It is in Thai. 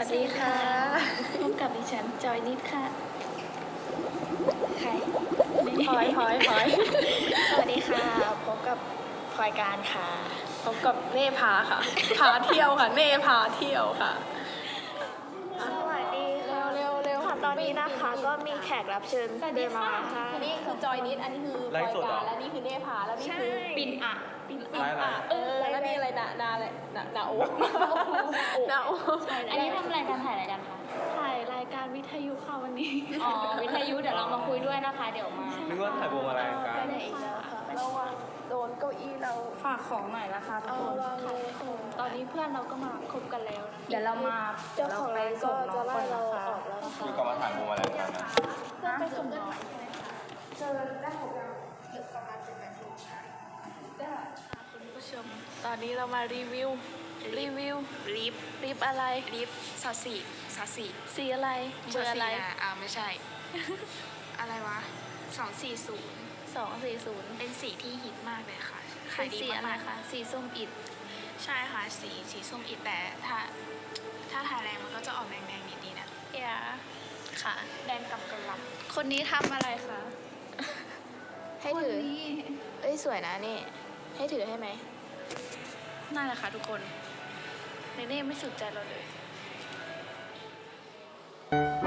วัสดีค่ะพบกับดิฉันจอยนิดค่ะใครพลอยสวัสดีค่ะพบกับพลอยการค่ะพบกับเน่พาค่ะพาเที่ยวค่ะเน่พาเที่ยวค่ะสวัสดีค่ะเร็วค่ะตอนนี้นะคะก็มีแขกรับเชิญเดินมาค่ะนี่คือจอยนิดอันนี้คือพลอยการและนี่คือเน่พาแล้วนี่คือปิ่นอ่ะแล้วนี่อะไรนาอะไรนาโอ๊นาโอ๊อันนี้ทำอะไรกันถ่ายอะไรกันคะถ่ายรายการวิทยุค่ะวันนี้อ๋อวิทยุเดี๋ยวเรามาคุยด้วยนะคะเดี๋ยวมานึกว่าถ่ายวงอะไรกันอีกแล้วค่ะเราอะโดนเก้าอี้เราฝากของหน่อยนะคะทุกคนตอนนี้เพื่อนเราก็มาคบกันแล้วนะเดี๋ยวเรามาเจ้าของร้านก็จะไล่เราออกแล้วนะคะคือก็มาถ่ายวงอะไรกันนะเพื่อนไปส่งน้องคุณผู้ชมตอนนี้เรามารีวิวลิฟอะไรลิฟซอสสี่สีอะไรเบอร์อะไรไม่ใช่ อะไรวะ240 240 เป็นสีที่ฮิตมากเลยค่ะเป็ขายนดีสีอะไรมากคะสีส้มอิฐๆใช่ค่ะสีส้มอิฐแต่ถ้าทาแรงมันก็จะออกแดงๆนิดๆนะอย่าค่ะแดงกับกระหล่คนนี้ทำอะไรคะำให้ถือเอ้ยสวยนะนี่ให้ถือให้ไหมนั่นแหละค่ะทุกคนเนเน่ไม่สนใจเราเลย